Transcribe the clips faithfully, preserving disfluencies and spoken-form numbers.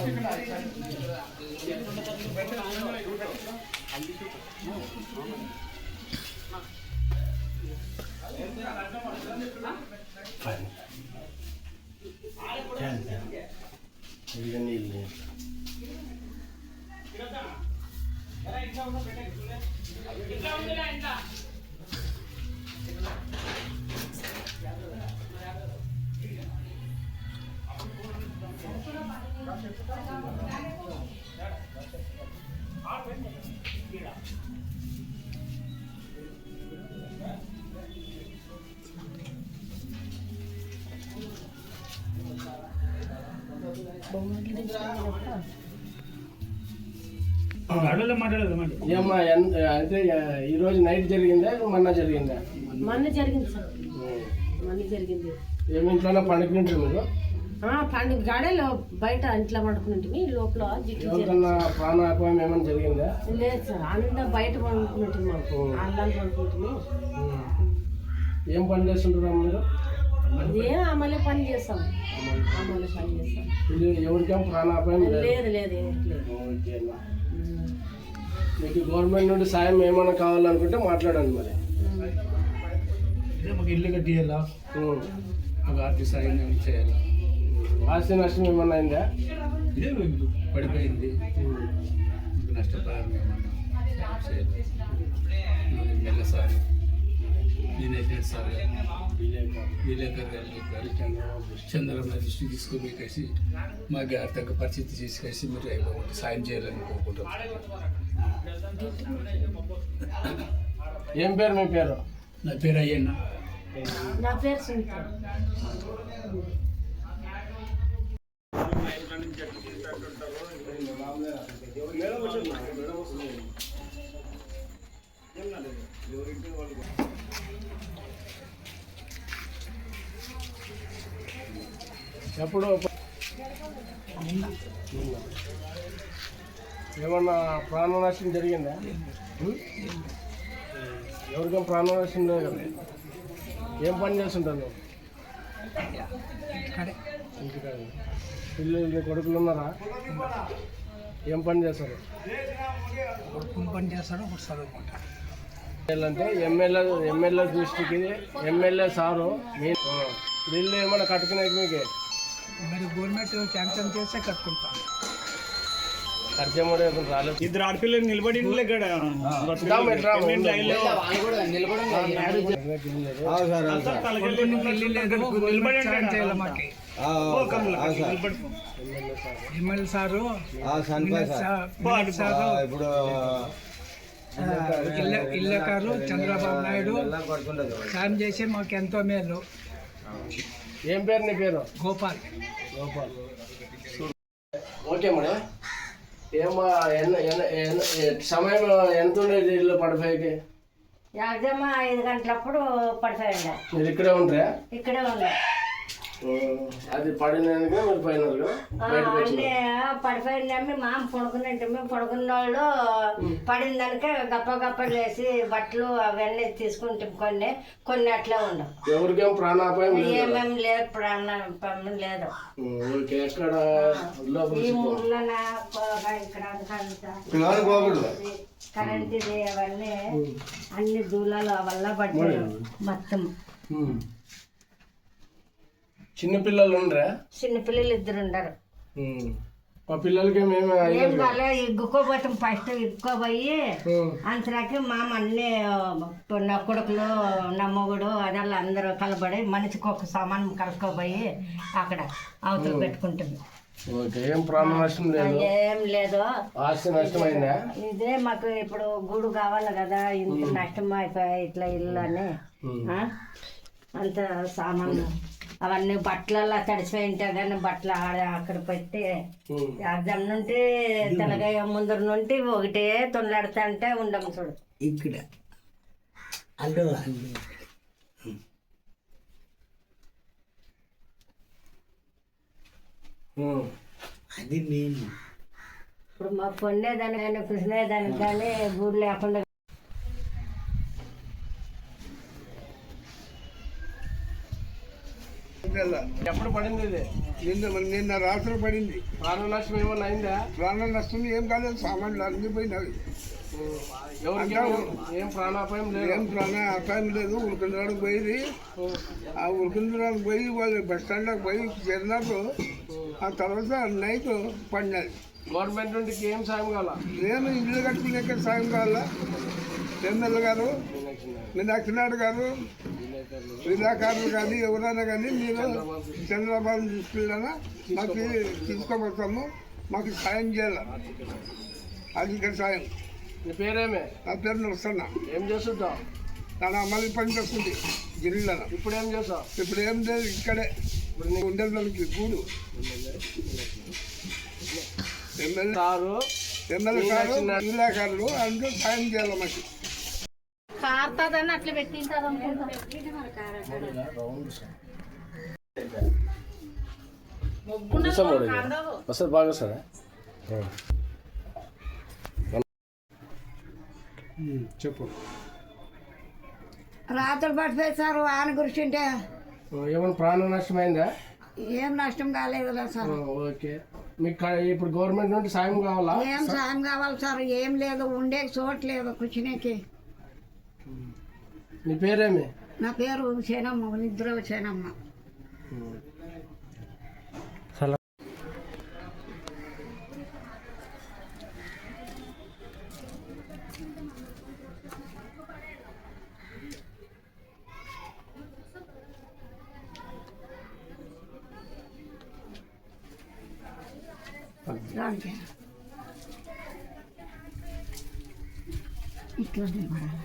ఏమ్మా అంటే ఈరోజు నైట్ జరిగిందా మొన్న జరిగిందా? మొన్న జరిగింది సార్, మొన్న జరిగింది. ఏమి ఇంట్లోనే పండుకుంటారు మీరు? పండుగ గాడలో బయట ఇంట్లో పండుకుంటుంది, లోపల ప్రాణాపాయం ఏమైనా జరిగిందా? లేదు సార్, అంతా బయట పండుకుంటుంది, మాకు అల్లాలు పండుకుంటుంది. ఏం పని చేస్తుంటారు మీరు? అదే అమలే పని చేస్తాం, అమలే పని చేస్తాం. ఎవరికేం ప్రాణాపాయం లేదు లేదు. మీకు గవర్నమెంట్ నుండి సాయం ఏమైనా కావాలనుకుంటే మాట్లాడండి. మరి మాకు ఇల్లు కట్టియాలా, మాకు ఆర్థిక సాయం చేయాలా. ఆస్తి నష్టం ఏమన్నా అయిందా? పడిపోయింది, నష్టపరిహారం ఏమన్నా చేయాలి. మెల్ల సార్ నేనైతే సార్ విలేకర్ గారు చంద్రబాబు దృష్టి తీసుకుని కలిసి మాకు ఆర్థిక పరిస్థితి తీసుకొచ్చి మీరు అయిపోయి సాయం చేయాలని కోరుకుంటాం. ఏం పేరు మీ పేరు? నా పేరు అయ్యన్న. నా పేరు సునీత. ఎప్పుడు ఏమన్నా ప్రాణ నష్టం జరిగిందా? ఎవరికేం ప్రాణ నష్టం లేదు కదా? ఏం పని చేస్తుంటాను? ఇంటికాడ పిల్లలు కొడుకులు ఉన్నారా? ఏం పని చేస్తారు? పని చేస్తాడు, చదువుకుంటాడు. అంటే ఎమ్మెల్యే ఎమ్మెల్యే దృష్టికి ఎమ్మెల్యే సారు మీ ఇల్లు ఏమైనా కట్టుకునేది మీకు? మరి గవర్నమెంట్ శాంక్షన్ చేస్తే కట్టుకుంటాను. ఖర్చు రాలేదు. ఇద్దరు ఆడపిల్లలు నిలబడి ఎమ్మెల్యే సారు ఇప్పుడు ఇల్లకారు చంద్రబాబు నాయుడు సాయం చేసి మాకు ఎంతో మేలు. ఏం పేరు నీ పేరు? గోపాల్. గోపాల్. Okay madam. ఏమో సమయం ఎంత ఉండేది ఇల్లు పడిపోయి? యాక్సిమం ఐదు గంటలప్పుడు పడిపోయింది. మీరు ఇక్కడే ఉంటారా? ఇక్కడే ఉండే. అది పడినాక మీరు పోయినారు? అన్నీ పడిపోయిందమ్మి మామ పడుకున్నట్టు పడుకున్న వాళ్ళు పడిన దానికే గప్ప గప్ప వేసి బట్టలు అవన్నీ తీసుకుంటాం. కొన్ని కొన్ని అట్లా ఉండవు. ఎవరికేం ప్రాణాపాయం ఏమేమి లేదు, ప్రాణాపాయం లేదు. ఎక్కడ ఈ ఊర్లోన ఇక్కడ కరెంట్ ఇది అవన్నీ అన్ని దూలాలు వల్ల పడ్డాయి మొత్తం. చిన్నపిల్లలు ఉండరా? చిన్నపిల్లలు ఇద్దరు ఉండరు. మా పిల్లలకి మేము ఇగ్గుకోపోతాం. ఫస్ట్ ఇగ్గుకోపోయి అంతరాకి మామ అన్ని నా కొడుకులు నా మొగుడు అదల్లా అందరూ కలబడి మనిషికి ఒక సామాన్ కలుసుకోపోయి అక్కడ అవతల పెట్టుకుంటుంది. ఏం ప్రాణ నష్టం లేదు? ఏం లేదు. ఆస్తి నష్టమైందా? ఇదే మాకు ఇప్పుడు గూడు కావాలి కదా, ఇంత నష్టం అయిపోయాయి ఇట్లా ఇల్లు అని అంత సామాన్లు అవన్నీ బట్టలలో తడిసిపోయి ఉంటాయి కానీ బట్టలు ఆడ అక్కడ పెట్టి అర్థం నుండి తెలగాయ ముందర నుండి ఒకటే తొందరడుతా అంటే ఉండము చూడు. ఇక్కడ అల్లు అది నేను ఇప్పుడు మా పొందేదానికి కానీ కృష్ణేదానికి కానీ గూడు లేకుండా జిల్లా ఎప్పుడు పడింది ఇది? నిన్న నిన్న రాత్రి పడింది. ప్రాణ నష్టం ఏమన్నా అయిందా? ప్రాణ నష్టం ఏం కాలేదు, సామాన్లు అన్ని పోయినవి. ఎవరికి ఏం ప్రాణాపాయం లేదు? ఏం ప్రాణ అపాయం లేదు. ఉరికిందరానికి పోయింది. ఆ ఉరికిందరానికి పోయి వాళ్ళు బస్ స్టాండ్లోకి పోయి చేరినారు. ఆ తర్వాత నైట్ పడినది. గవర్నమెంట్ నుండి ఏం సాయం కావాలా? నేను ఇల్లు కట్టుకునే సాయం కావాలా? ఎమ్మెల్యే గారు, మీనాక్షి నాయుడు గారు, విధాకారులు కానీ ఎవరైనా కానీ మీరు చంద్రబాబు తీసుకెళ్ళినా మాకు తీసుకోబోతాము, మాకు సాయం చేయాలి. అది ఇక్కడ సాయం. నీ పేరేమే? నా పేరు నడుస్తున్నా. ఏం చేస్తుంటావు? తన అమలు పని చేస్తుంది జిల్లాలో. ఇప్పుడు ఏం చేస్తావు? ఇప్పుడు ఏం లేదు, ఇక్కడే ఇప్పుడు నీకు ఉండేదానికి గూడు. ఎమ్మెల్యే సారు ఎమ్మెల్యే గారు, విధాకారులు అందరూ సాయం చేయాలి మాకు. కారుతుందని అట్లా పెట్టింటారు వస్తుంది బాగా వస్తుందా? చెప్పు. రాత్రులు పట్టిపోయి సార్ వాన కురిసింటే ఏమైనా ప్రాణ నష్టం అయిందా? ఏం నష్టం కాలేదులే సార్. ఓకే. మీకు కా- ఇప్పుడు గవర్నమెంట్ నుండి సాయం కావాలా? ఏం సాయం కావాలి సార్? ఏం లేదు, ఉండే చోటు లేదు కూర్చునేకి. నీ పేరేమి? నా పేరు సేనమ్మ, నిద్ర సేనమ్మ. దానికి ఇట్లా పడాలి.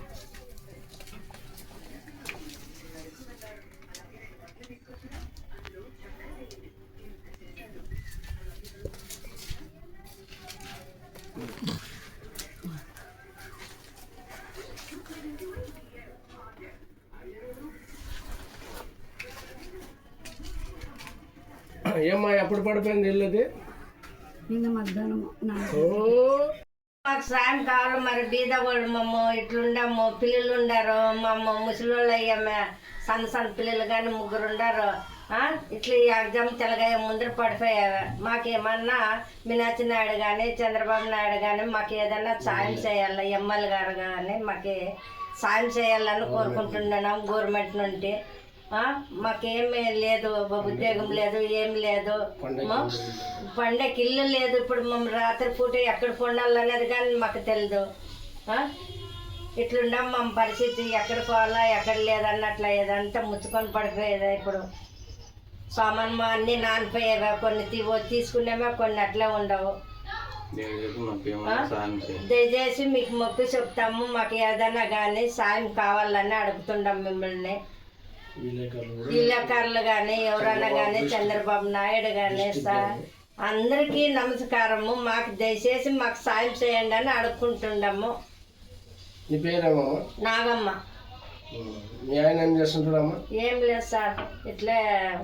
ఏమ్మా ఎప్పుడు పడిపోయింది ఇల్లుది? నిన్న మధ్యాహ్నం ఓ మాకు సాయం కావాలి. మరి బీద వాళ్ళు మమ్మ ఇట్లుండము, పిల్లలు ఉండారు, మమ్మ ముసలి అయ్యమ్మ, సన్న సన్న పిల్లలు కానీ ముగ్గురు ఉండారు. ఇట్లా ఈ ఎగ్జామ్ తెలగాయ ముందర పడిపోయారు. మాకేమన్నా మీనాక్షి నాయుడు కానీ చంద్రబాబు నాయుడు కానీ మాకు ఏదన్నా సాయం చేయాలి, ఎమ్మెల్యే గారు కానీ మాకు సాయం చేయాలని కోరుకుంటున్నాం గవర్నమెంట్ నుండి. మాకేమీ లేదు, ఉద్యోగం లేదు, ఏం లేదు, పండగకి ఇల్లు లేదు. ఇప్పుడు మేము రాత్రి పూట ఎక్కడ పండాలనేది కానీ మాకు తెలియదు. ఇట్లుండం మా పరిస్థితి, ఎక్కడ పోవాలా ఎక్కడ లేదన్నట్ల ఏదంతా ముచ్చుకొని పడిపోయేదా. ఇప్పుడు సామాన్ మా అన్నీ నానిపోయేవా, కొన్ని తీ తీసుకునేవా, కొన్ని అట్లే ఉండవు. దయచేసి మీకు మొక్కు చెప్తాము, మాకు ఏదైనా కానీ సాయం కావాలని అడుగుతుండం మిమ్మల్ని. విలేకరులు కానీ ఎవరైనా కానీ చంద్రబాబు నాయుడు కానీ సార్ అందరికీ నమస్కారము. మాకు దయచేసి మాకు సాయం చేయండి అని అడుక్కుంటుండము. నీ పేరేమో? నాగమ్మ. మీ ఆయన ఏం చేస్తుంటాడమ్మా? ఏం లేదు సార్, ఇట్లే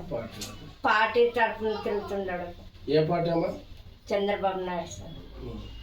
పార్టీ తరఫున తిరుగుతుండడు. ఏ పార్టీ అమ్మా? చంద్రబాబు నాయుడు సార్.